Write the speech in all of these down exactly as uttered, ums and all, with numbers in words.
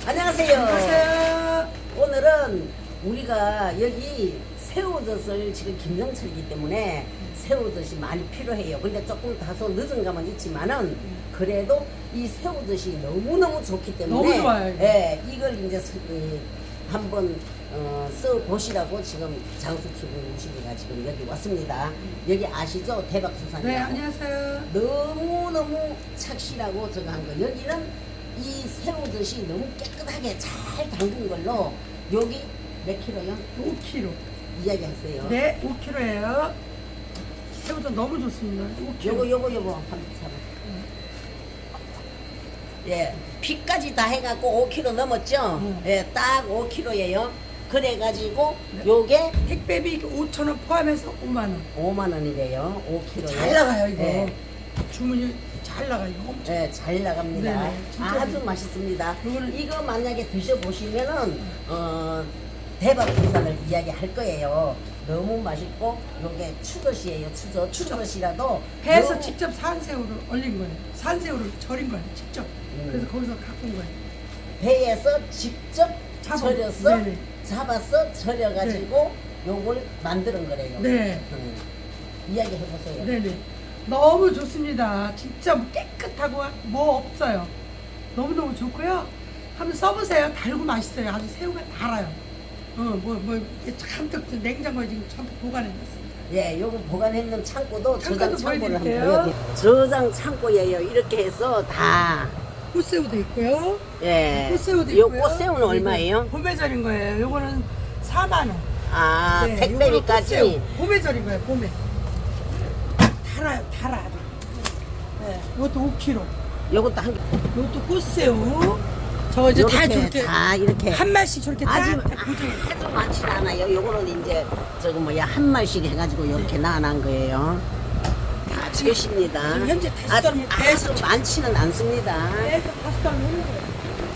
안녕하세요. 안녕하세요. 오늘은 우리가 여기 새우젓을 지금 김장철이기 때문에 새우젓이 많이 필요해요. 근데 조금 다소 늦은 감은 있지만은 그래도 이 새우젓이 너무너무 좋기 때문에 너무 좋아요, 이거. 예, 이걸 이제 서- 이, 한번 어, 써보시라고 지금 장수티비 우식이가 지금 여기 왔습니다. 여기 아시죠? 대박수산이라고. 네, 안녕하세요. 너무너무 착실하고 저거 한 거. 여기는 이 새우젓이 너무 깨끗하게 잘 담근 걸로 여기 몇 킬로요? 오 킬로그램. 이야기하세요. 네, 오 킬로그램예요. 새우젓 너무 좋습니다. 오 킬로그램. 요거 요거 요거 한번 잡아. 예, 피까지 다 해갖고 오 킬로그램 넘었죠? 음. 예, 딱 오 킬로그램이에요. 그래가지고 네. 요게 택배비 오천 원 포함해서 오만 원. 오만 원이래요. 오 킬로그램. 잘 나가요, 이거. 예, 주문이 잘 나가요. 이거 엄청. 예, 잘 나갑니다. 네네, 진짜 아주 맛있- 맛있습니다. 요거는- 이거 만약에 드셔보시면은, 어, 대박 부산을 이야기할 거예요. 너무 맛있고, 요게 추젓이에요. 추젓. 추젓이라도. 배에서 너무- 직접 산새우를 얼린 거예요. 산새우를 절인 거예요. 직접. 음. 그래서 거기서 갖고 온 거예요. 배에서 직접 잡아- 절였어. 네네. 잡았어. 절여가지고 요걸 만드는 거래요. 네. 음. 이야기 해보세요. 네네. 너무 좋습니다. 진짜 깨끗하고 뭐 없어요. 너무너무 좋고요. 한번 써보세요. 달고 맛있어요. 아주 새우가 달아요. 어, 뭐, 뭐, 이렇게 잔뜩 냉장고에 지금 잔뜩 보관해놨습니다. 예, 요거 보관했는 창고도 저장 창고도 창고를 한번 보여드릴게요. 보여드릴게요. 저장 창고예요. 이렇게 해서 다. 꽃새우도 있고요. 예. 꽃새우도 요 있고요. 꽃새우는 얼마예요? 봄에 절인 거예요. 요거는 사만 원. 아, 네, 택배비까지. 요거는 꽃새우. 봄에 절인 거예요. 봄에. 달아요. 달아 아주. 네, 이것도 오 킬로그램. 요것도 한 개. 이것도 꽃새우. 저 이제 다 요렇게 저렇게 다 이렇게. 한 마씩 저렇게 아주, 딱 고정해. 아주 많지는 않아요. 요거는 이제, 저거 뭐야, 한 마리씩 해가지고 이렇게 나눠놓은 거예요. 다 주십니다. 지금 현재 다섯 아주, 달을 계속 아주 많지는 않습니다. 계속 다섯 달 먹는 거예요.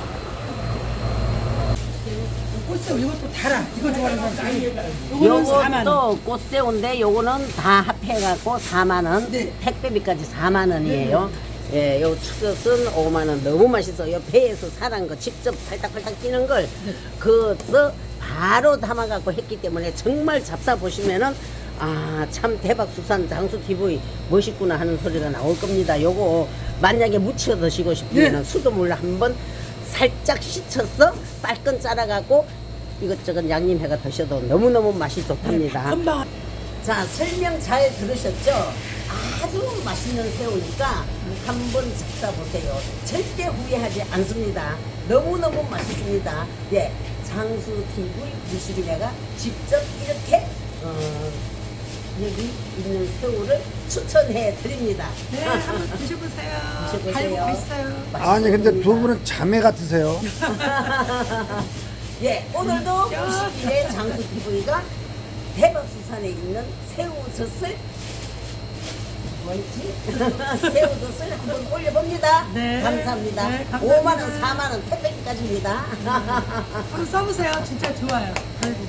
꽃새우 이것도 달아. 이거 좋아하는 사람. 이거는 사만 원. 요것도 꽃새우인데 요거는 다 합해갖고 사만 원. 네. 택배비까지 사만 원이에요. 예, 요 추젓은 오만 원. 너무 맛있어요. 배에서 사는 거 직접 팔딱팔딱 뛰는 걸 네. 그거 바로 담아갖고 했기 때문에 정말 잡사 보시면은 아, 참 대박 수산 장수 티비 멋있구나 하는 소리가 나올 겁니다. 요거 만약에 무쳐 드시고 싶으면은 네. 수돗물로 한번 살짝 씻어서 빨끈 짜라갖고 이것저것 양념해가 드셔도 너무너무 맛이 좋답니다. 금방. 자, 설명 잘 들으셨죠? 아주 맛있는 새우니까 한번 잡숴보세요. 절대 후회하지 않습니다. 너무너무 맛있습니다. 예, 장수티비 무식이네가 직접 이렇게 어, 여기 있는 새우를 추천해 드립니다. 네, 한번 드셔보세요. 드셔보세요. 달고 맛있어요. 아니 근데 두 분은 자매 같으세요. 예, 오늘도 진짜? 무식인의 장수티비가 대박수산에 있는 새우젓을 뭐였지? 새우젓을 한번 올려봅니다. 네. 감사합니다. 네, 감사합니다. 오만 원, 사만 원 택배비까지입니다. 한번 써보세요. 진짜 좋아요. 달고.